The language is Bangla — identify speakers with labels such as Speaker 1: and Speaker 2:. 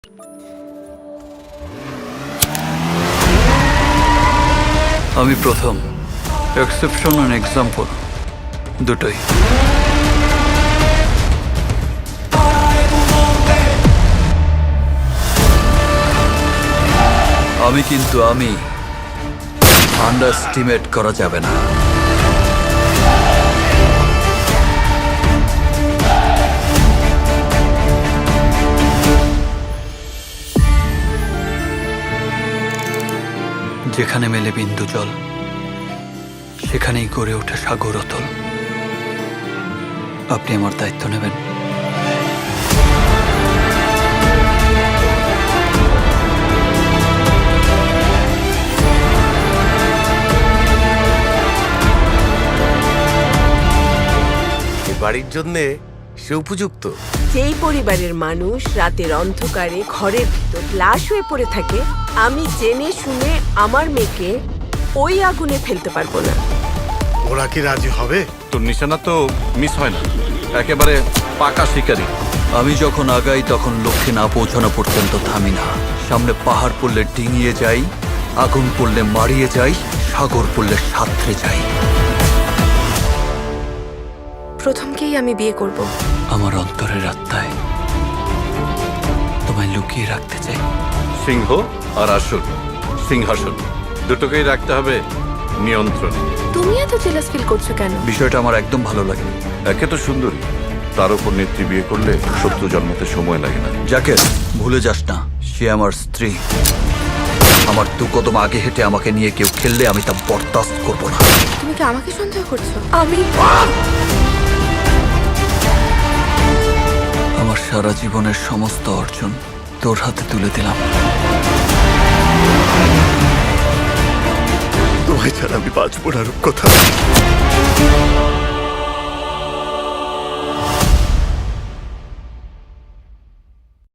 Speaker 1: আমি প্রথম, এক্সেপশন অ্যান্ড এক্সাম্পল দুটোই। আমি আন্ডারস্টিমেট করা যাবে না। যেখানে মেলে বিন্দু জল, সেখানেই গড়ে ওঠে সাগর অতল। আপনি আমার দায়িত্ব নেবেন?
Speaker 2: বাড়ির জন্যে সে উপযুক্ত।
Speaker 3: যেই পরিবারের মানুষ রাতের অন্ধকারে ঘরের ভিতর লাশ হয়ে পড়ে থাকে, আমি জেনে শুনে আমার মেয়েকে ওই আগুনে ফেলতে পারবো না।
Speaker 2: ওরা কি রাজি হবে?
Speaker 4: তোর নিশানা তো মিস হয় না, একেবারে পাকা শিকারি।
Speaker 1: আমি যখন আগাই তখন লক্ষ্যে না পৌঁছানো পর্যন্ত থামি না। সামনে পাহাড় পড়লে ডিঙিয়ে যাই, আগুন পড়লে মারিয়ে যাই, সাগর পড়লে সাঁতরে যাই।
Speaker 5: প্রথমকেই আমি বিয়ে করব।
Speaker 1: আমার অন্তরের আত্মায় তোমায় লুকিয়ে রাখতে চাই।
Speaker 4: সিংহ আর আসুর, সিংহাসন দুটোকেই রাখতে হবে নিয়ন্ত্রণ।
Speaker 5: তুমি এত জেলাস ফিল করছো কেন?
Speaker 1: বিষয়টা আমার একদম ভালো লাগেনি।
Speaker 4: একে তো সুন্দরী, তার উপর নেত্রী বিয়ে করলে শত্রু জন্মাতে সময় লাগে না।
Speaker 1: যাকে ভুলে যাস না, সে আমার স্ত্রী। আমার দু কদম আগে হেঁটে আমাকে নিয়ে কেউ খেললে আমি তা বরদাস্ত করবো না।
Speaker 5: তুমি কি আমাকে সন্দেহ করছো?
Speaker 1: আমার সারা জীবনের সমস্ত অর্জন তোর হাতে তুলে দিলাম।
Speaker 2: তোমায় ছাড়া আমি বাঁচবো না রূপকথা।